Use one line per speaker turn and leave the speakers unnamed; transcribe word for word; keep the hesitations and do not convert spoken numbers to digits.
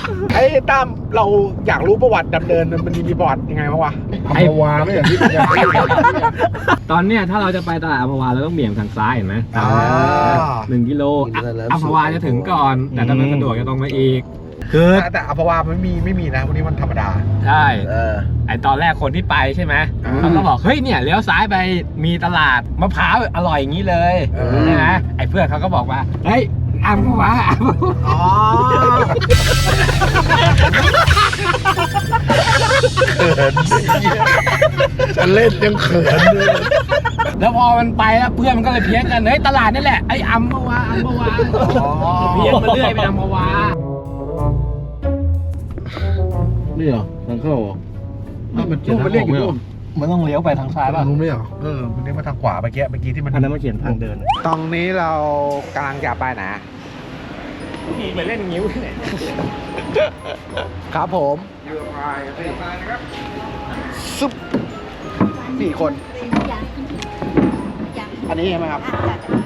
ไอ้ตั้มเราอยากรู้ประวัติดำเนินมันมีประวัติยังไงบ้างวะ
ไอ้วาไม่อย่างที่เป็นอย่างที่ตอนเนี้ยถ้าเราจะไปตลาดอัมพวาเราต้องเบี่ยงทางซ้ายเห็นไหมหนึ่งกิโลอัมพวาจะถึงก่อนแต่ถ้ามันสะดวกจะตรงมาอีกคือ
แต่อัมพวาไม่มีไม่มีนะวันนี้มันธรรมดา
ใช่ไอตอนแรกคนที่ไปใช่ไหมเขาก็บอกเฮ้ยเนี่ยเลี้ยวซ้ายไปมีตลาดมะพร้าวอร่อยอย่างนี้เลยใช่ไหมไอเพื่อนเขาก็บอกว่าเฮ้ยอัมพวา
อ๋อ
ฉันเล่นยังเขินเลยแล้วพอมันไปแล้วเพื่อนมันก็เลยเพี้ยนกันเฮ้ยตลาดนี่แหละไออัมพวาอัมพวาเพี้ยนมาเรื่อยไปอัมพวานี่เหรอทางเข้าเหรอมันเขียนทางออกไหมเหรอมันต้องเลี้ยวไปทางซ้ายป่ะ
รู้ไหมเหรอเออมันเลี้ยวมาทางขวาเมื่อกี้เมื่อกี้ที่มัน
อันนั้นมันเขียนทางเดิน
ตรงนี้เรากำลังจะไปไหน
นี่เหมือนเล่นงิ้วเนี่ย
ครับผมเรือพายเรือพายนะครับซุปสี่คนอันนี้ใช่ไหมครับ